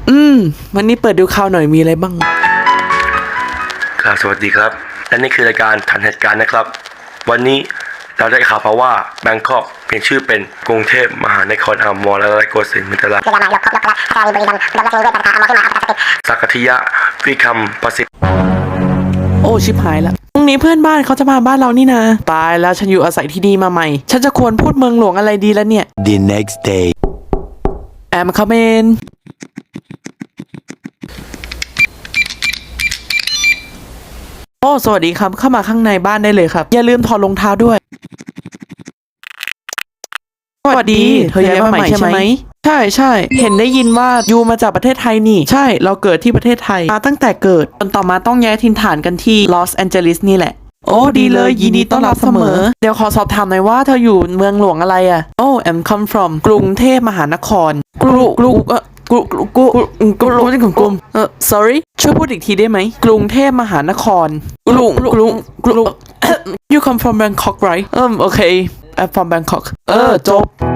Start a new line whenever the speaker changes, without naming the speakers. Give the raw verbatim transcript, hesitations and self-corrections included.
อืมวันนี้เปิดดูข่าวหน่อยมีอะไรบ้าง
ครับสวัสดีครับและนี่คือรายการทันเหตุการณ์นะครับวันนี้เราได้ข่าวมาว่าแบงคอกเปลี่ยนชื่อเป็นกรุงเทพมหานครอมรและโกสินทร์มิตรราชสักทิยะวิคัมประสิทธิ์
โอ้ชิบหายละพรุ่งนี้เพื่อนบ้านเขาจะมาบ้านเรานี่นะตายแล้วฉันอยู่อาศัยที่ดีมาใหม่ฉันจะควรพูดเมืองหลวงอะไรดีแล้วเนี่ย
The next day
แอมคาเมนโอ้สวัสดีครับเข้ามาข้างในบ้านได้เลยครับอย่าลืมถอดรองเท้าด้วยสวัสดีเธอย้ายมาใหม่ใช่ไหมใช่ใช่เห็นได้ยินว่ายูมาจากประเทศไทยนี่ใช่เราเกิดที่ประเทศไทยมาตั้งแต่เกิดจนต่อมาต้องย้ายถิ่นฐานกันที่ลอสแอนเจลิสนี่แหละโอ้ดีเลยยินดีต้อนรับเสมอเดี๋ยวขอสอบถามหน่อยว่าเธออยู่เมืองหลวงอะไรอ่ะโอ้ I'm come from กรุงเทพมหานครกรุกรุเออกรุกรุกรุกรุไม่ใช่ของกรุงเออ sorry ช่วยพูดอีกทีได้ไหมกรุงเทพมหานครกรุงกรุงกรุง you come from Bangkok right อืมโอเค I'm from Bangkok เออจบ